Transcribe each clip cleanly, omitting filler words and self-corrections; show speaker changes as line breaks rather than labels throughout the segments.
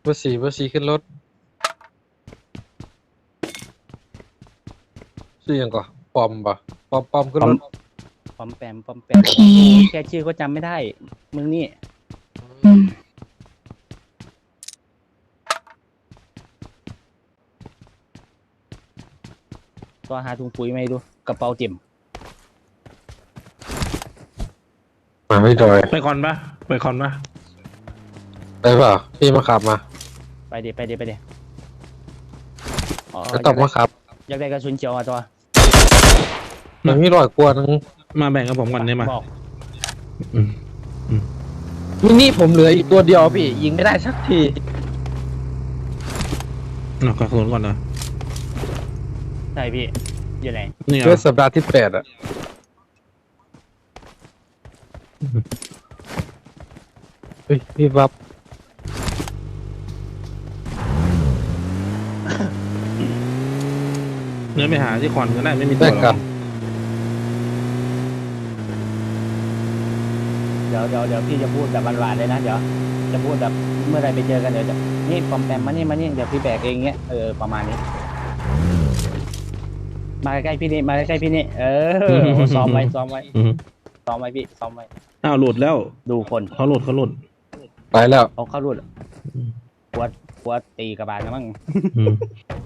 เบอร์สี่ขึ้นรถชื่อยังก่อนปอมปะปอมขึ้นรถ
ปอมแปม
โอเค
แค่ชื่อก็จำไม่ได้มึงนี่
อืม
ตัวหาถุงปุ๋ยมาให้ดูกระเป๋าเต็ม
มาไม่ดอย
ไปคอนปะไปคอนปะ
ได้เปล่าพี่มาขับมา
ไปเดี๋ยวอ๋อ
ก็ต้องมาขับ
อยากได้กระสุนเขียวอ่ะตัว
มันมีรอยกลัวนึง
มาแบ่งกับผมก่อนได้ไหม
บอก
อืม
มินี่ผมเหลืออีกตัวเดียวพี่ยิงไม่ได้สักที
เอากระสุนก่อนนะ
ใช่พี่อยู่ไหน
นี่
เพื่
เอา
อสัปดาห์ที่8อ่ะเฮ้ยพี่บับ
เนื้อไปหาที่คอนก็ได้ไม่มีตั
ได้
วหร
กั
อน ก
เดี๋ยวพี่จะพูดแบบหวานๆเลยนะเดี๋ยวจะพูดแบบเมื่อไรไปเจอกันเดี๋ยวจะนี่ปอมแปมมานี่เดี๋ยวพี่แบกเองเงี้ยประมาณนี้ มาใกล้ๆพี่นี่ซ้อมไว้
อืม
ซ้อมไว้พี่ซ้อมไว้
อ้าวหลุดแล้ว
ดูคน
เขาหลุด
ไปแล้ว
เขาเข้ารุ่นปวดตีกระบาลนะมั้ง
อืม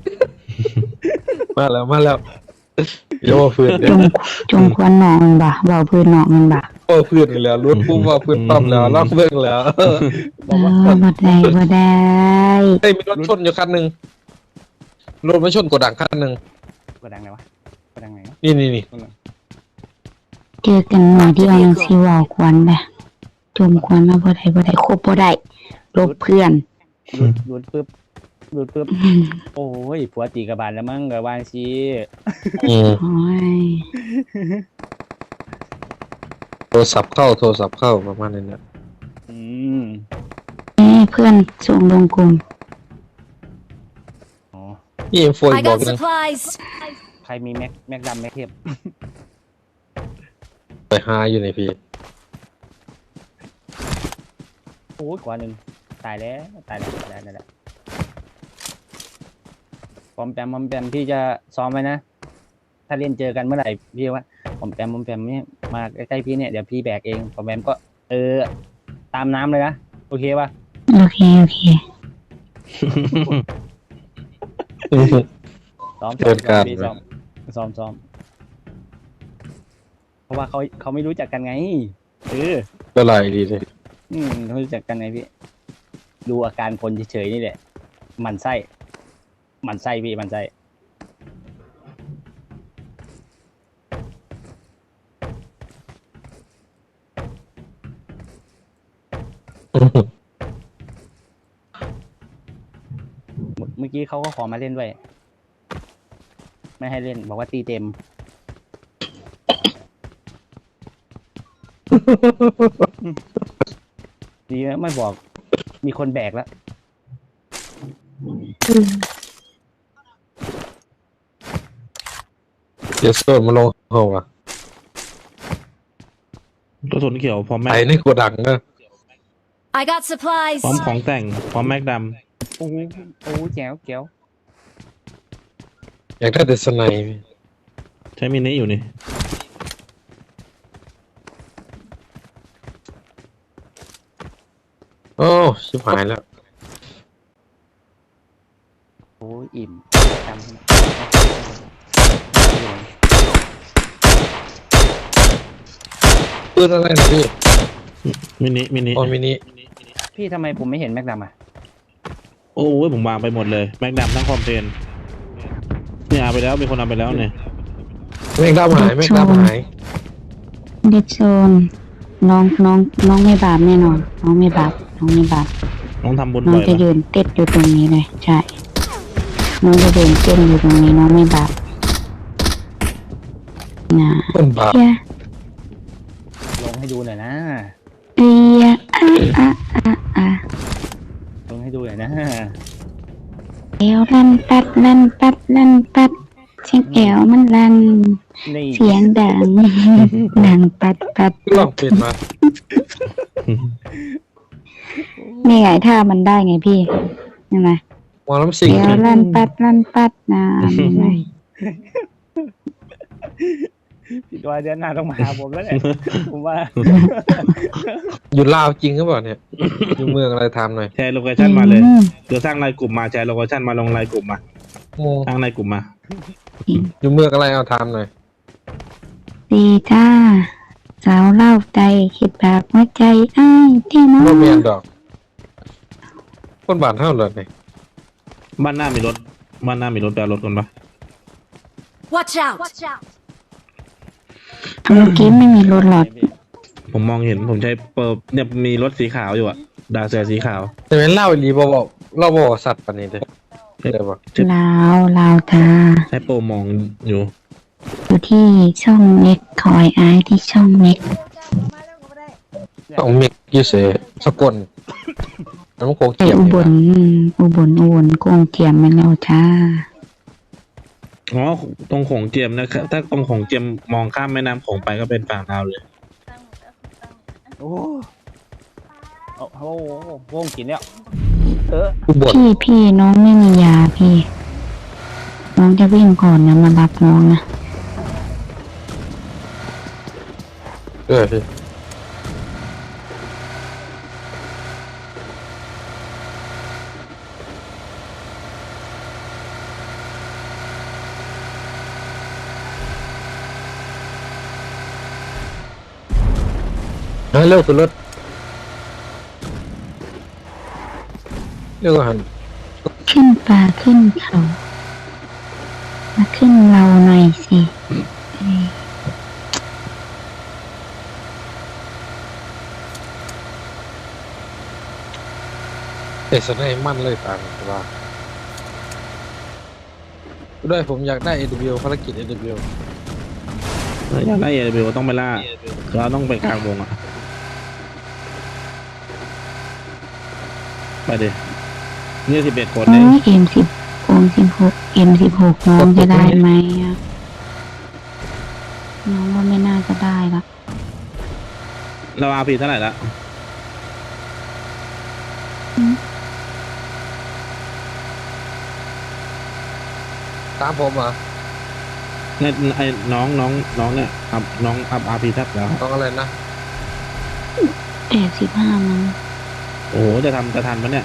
มาแล้วเดี๋ยวว่าเพื่อน
จงควรหนองมันบ่เบาพื้นหนองมันบ่
ว่าเพื่อนเลยแล้วรถปุ๊บว่าเพื่อนปั๊มแล้วลอกเบิ่งแล้ว
บอกว่า
บ่ได้
เฮ้ยมีรถชนอยู่คันหนึ่งรถมาชนกระดังคันหนึ่ง
กระดังไหนวะกระดังไหนวะ
นี่
เจอกันหน่อยที่เอายังสิเว้าควรน่ะจมควรมาบ่ได้คบบ่ได้ลบเพื่อน
หลุดปึ๊บโอ้ยผัวตีกระบาลแล้วมั้งกระบาลชี
อืม
โอ้ย
โทรศัพท์เข้าประมาณนี้นะ
อืม
เพื่อนส่งลงกลุ่ม
อ๋อ
พี่เอ็มโฟ
I
บอก
got
นึง
supplies.
ใครมีแม็กดำแม็กเทป
ไปหาอยู่ในพี่
โอ้ยกว่าหนึ่งตายแล้วปอมแปมพี่จะซ้อมไว้นะถ้าเล่นเจอกันเมื่อไหร่พี่ว่าปอมแปมเนี่ยมาใกล้ๆพี่เนี่ยเดี๋ยวพี่แบกเองปอมแปมก็ตามน้ำเลยนะโอเคป่ะ
โอเค
ซ้อม
เกิดการ
พี่ซ้อมเพราะว่าเขาไม่รู้จักกันไง
ก็ไหลดีเลย
เขาไม่รู้จักกันไงพี่ดูอาการคนเฉยๆนี่แหละหมันไส้พี่หมันไส้ เมื่อกี้เขาก็ขอมาเล่นด้วยไม่ให้เล่นบอกว่าตีเต็ม ดีนะไม่บอกมีคนแบกแล้ว
เดี๋ยวโซนมาลงเขาอ่ะ
กระสุนเขียวพร้อมแม็
ไป
ก
ในกระดังนะ
I got supplies.
พร้อมของแต่งพร้อมแม็กด
โอ้แจ๋ว
อยากได้แต่สไนป์พี่
ำใช้มินิอยู่นี่
โอ้ชิบหายแล้ว
โอ้ยอิ่มจำ
ปืนอะไรนะพี่
มินิ
โอ้มินิ
พี่ทำไมผมไม่เห็นแม็กดำอ่ะ
โอ้ยผมวางไปหมดเลยแม็กดำทั้งคอมเพลนเนี่ยเอาไปแล้วมีคนเอาไปแล้วเนี่ย
แม่งด้ามหาย
เด็กโซนน้องไม่บาปแน่นอนน้องไม่บาป
น้องทำบุญ
น้อง
บ่อย
จะ
ปะ
ยืนเต้นอยู่ตรงนี้เลยใช่น้องจะเดินเต้นอยู่ตรงนี้น้องไม่บาปนะ
ต้นบาป
เฮีย
ลงให้ดูหน่อยนะ
เอียอ่ะ
ลงให้ดูหน่อยนะ
เอวลั่นปัดเสียงแอวมันลั่น
นี่
เสียงดังปัด
ลองปิดมา
นี่ไงถ้ามันได้ไงพี่ใช่ไหม
หมอลำซิง
เดี๋ยวลั่นปัดนะใช่ไหม
พี่ตัวเดือนหน้าต้องมาหาผมแล้วแหละผมว่า
อยู่ลาวจริงหรือเปล่าเนี่ย อยู่เมืองอะไรทำหน่อย
แชร์โลเคชั่นมาเลยเดี๋ยวสร้างรายกลุ่มมาแชร์โลเคชั่นมาลงรายกลุ่มมา
โอ้
สร้างรายกลุ่มมา
อยู่เมืองอะไรเอาทำหน่อย
ดีจ้าสาวเล่าใจคิดแบบหัวใจอ้ายแท้น้อ
โร
ง
เมียนดอก คนบ้านเท่าเลยนี่
บ้านหน้ามีรถแปลรถกันปะ
Watch out!
เมื่อกี้ไม่มีรถหรอก
ผมมองเห็นผมใช้เปิดเนี่ยมีรถสีขาวอยู่อะดาเซียสีขาว
แต่เป็นเล่าอีหลีบอกเล่าบอกสัตว์ปานนี้เลยเดี๋ยวบอก
ลาวจ้า
ใช้โปรมองอยู่
อยู่ที่ช่องเม็กคอยอายที่ช่องเม็ก
ต้องเมกยูเซสกลน้ำโคง
ไป
เกียม
อุบลกงเทียมมาแล้วจ้า
อ๋อตรงโขงเจียมนะครับถ้าตรงโขงเจียมมองข้ามแม่น้ำโขงไปก็เป็นฝั่งลาวเลย
โอ้โหวงกินเนี่ย
อุบล
พี่น้องไม่มียาพี่ น้องจะวิ่งก่อนนะมารับน้องนะ
พี่เร็วขึ้นรถเร็วกว่าหัน
ขึ้นป่าขึ้นเขามาขึ้นเราหน่อยสิเอ้ย
เตะสนายมั่นเลยต่างว่าด้วยผมอยากได้ AW ภารกิจ AW
อยากได้เอเบลต้องไปล่าเราต้องไปกลางวงอะไปดินี่11 คน
โอ้
เอง
ยM16 น้องจะได้ไหมอะน้องว่าไม่น่าจะได้ละ
เราอาพีเท่าไหร่ละ
ตามผมเหรอ
เนี่ยไอ้น้องเนี่ยน้องอัพอาพีทับแล้ว
ต้องอะไรนะ
85มั้ง
โอ้โหจะทันปะเนี่ย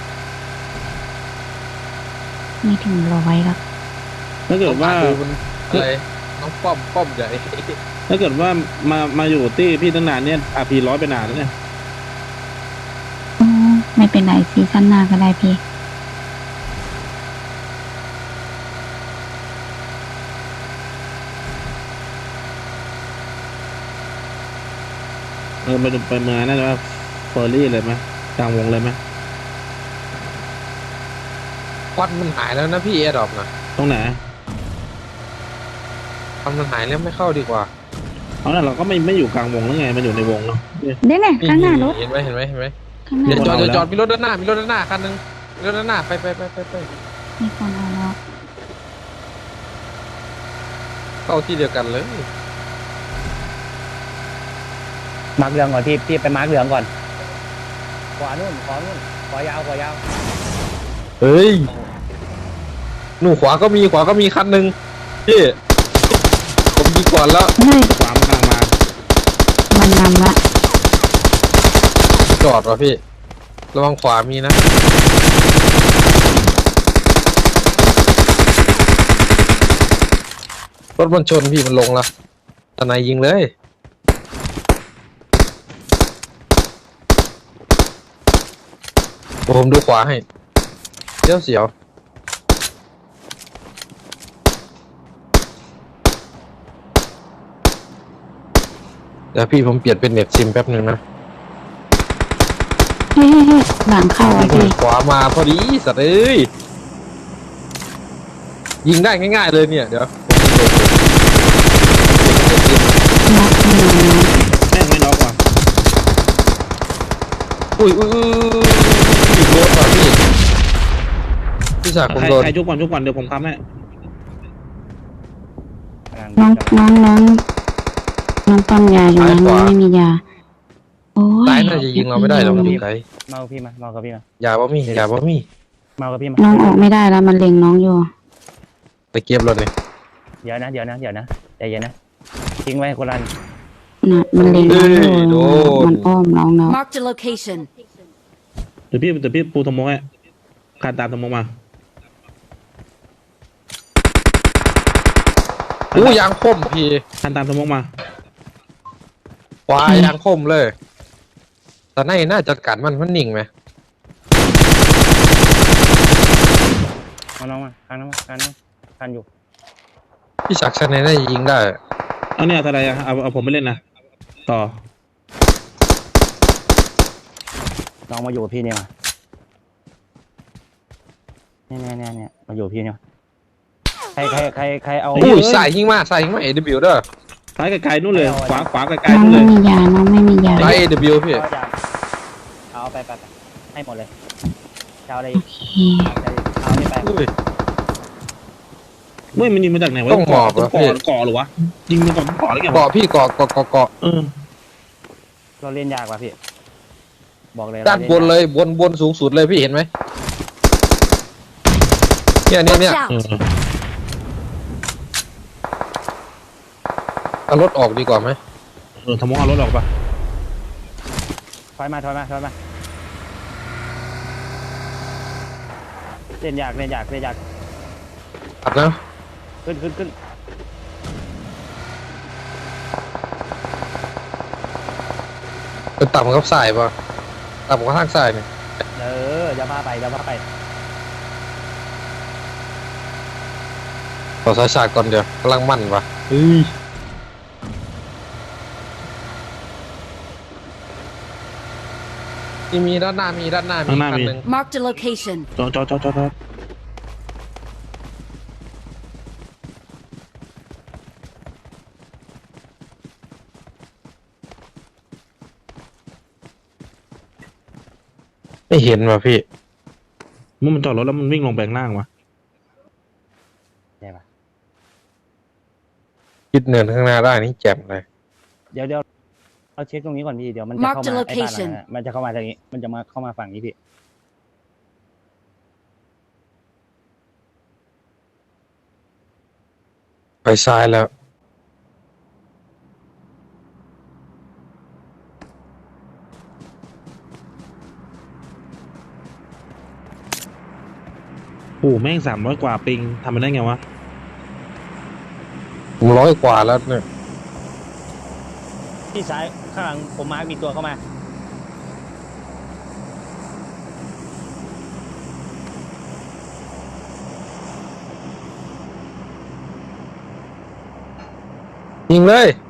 ไม่ถึง100ละ
ถ้าเกิดว่า
ดูมันอะไรน้องป้อมใหญ่
ถ้าเกิดว่ามาอยู่ที่พี่ตั้งนานเนี่ยอาพี100ไปนานแล้วเนี่ย
โอ้ไม่เป็นไรซีซั่นหน้าก็ได้พี่
ไปดูไปเมืองนั่นว่าเฟอร์รี่เลยไหมกลางวงเลยไหม
ควันมันหายแล้วนะพี่แอร์ดรอปนะ
ตรงไหน
ควันมันหายแล้วไม่เข้าดีกว่า
เอาน่ะเราก็ไม่อยู่กลางวงแล้วไงมันอยู่ในวงเนาะ
เนี่ยข้างหน้ารถ
เห็นไหม
ข้างหน้า
เดี๋ยว
รถ
จอดมีรถด้านหน้าคันนึงมีรถด้านหน้าไป
มีคนเอาแล้ว
เข้าที่เดียวกันเลย
มาร์กเหลืองก่อนพี่ไปมาร์กเหลืองก่อนขวานู่นขวายาว
เฮ้ยหนูขวาก็มีคันนึงพี่ผมยิงก่อนแล้ว
เฮ้ย
ขวามนกำลังมา
มันนำละ
จอดว่ะพี่ระวังขวามีนะรถมันชนพี่มันลงละตะไนยิงเลยผมดูขวาให้เสียวเดี๋ยวพี่ผมเปลี่ยนเป็นเน็ตซิมแป๊บหนึ่งนะ
เฮ้ยหลังเข้าอ่ะพี่
ขวามาพอดีสัตว์เอ้ยยิงได้ง่ายๆเลยเนี่ยเดี๋ยว
น็อกหนึ่ง
แม่งไม่น็อกว่ะ
อุ้ยโดนว่ะพี่สากผมโดน
ใครชุบก่อนเดี๋ยวผมทำให้
น้องปั๊มยาอยู่นะน้องไม่มียาโอ้ย
ตายน่าจะยิงเราไม่ได้หรอกมันอยู่ไกล
เมาพี่มาเมากับพี่มา
อย่าบ่มี
มากับพี่มา
น้องออกไม่ได้แล้วมันเล็งน้องอยู่
ไปเก็บรถนี่
เดี๋ยวนะใจเย็นนะทิ้งไว้คนละอัน
น่ะมันเล็งน้องอยู่มันอ้อมน้องแล้ว
Marked a location.
เดี๋ยวพี่ปูสมองให้คานตามสมองมา
อู้ยางคมพี่
คานตามสมองมา
ขวายางคมเลยแต่ในน่าจัดการมันนิ่งไหม
เอาน้องมาคันอยู่
พี่ชักชนในน่ายิงได้
เอาเนี่ยอะไรอะเอาผมไปเล่นนะต่อ
น้องมาอยู่กับพี่เนี่ยมาเนี่ยมาอยู่กับพี่เนี่ยใครเอา
อู้ยใส่ยิงมาเอวเด้อ
ซ้ายไกลๆนู่นเลย ขวาไกล
น้
ๆ
อง
นู่นเลย
ไม่มียาน้องไม่มียา
ใส่เอวพี่
เอาไปให้หมดเลยเช้าอะไร
โอเค
เอานี่ไป
อุ้ย
เมื่อมันยิงมาจากไหนวะ
ต้องหมอบ
ต้
อะ
ก่
พี่
อหรือวะยิงมาก่อนก่อหรือไงวะ
เกาะพี่เกาะ
เออ
เราเล่นยากว่ะพี่บอกเลย
ด้านบนเลยบนสูงสุดเลยพี่เห็นไหมเนี่ย
Watch
เอ
out!
อ
เอารถออกดีกว่าไหม
สมองเอารถออกปะ
ถอยมาเล่นยาก
อัดนะ
ขึ้น
เป็นต่ำกับสายป่ะต่ำกับทางสายเนี่ย
อย่าพาไป
ขอสายฉากก่อนเดี๋ยวกำลังมั่นป่ะเฮ้ยมีด้านหน้ามีคันหนึ่ง
Marked a location.
จอ
ไม่เห็นว่ะพี่
มันจอดรถแล้วมันวิ่งลงแบงล่างวะ
ได้ปะ
คิดเนินข้างหน้าได้นี่แจ่มเลย
เดี๋ยวเราเช็คตรงนี้ก่อนพี่เดี๋ยวมันจะเข้า
Mark the
มาไอ้บ้านหลัง
location
นั้นมันจะเข้ามาทางนี้มันจะมาเข้ามาฝั่งนี้พี่
ไปซ้ายแล้ว
โอ้แม่ง300 กว่าปิงทำมันได้ไงวะ
ผม100 กว่าแล้วเนี่ย
ที่ซ้ายข้างหลังผมมาร์คมีตัวเข้ามา
ยิงเลย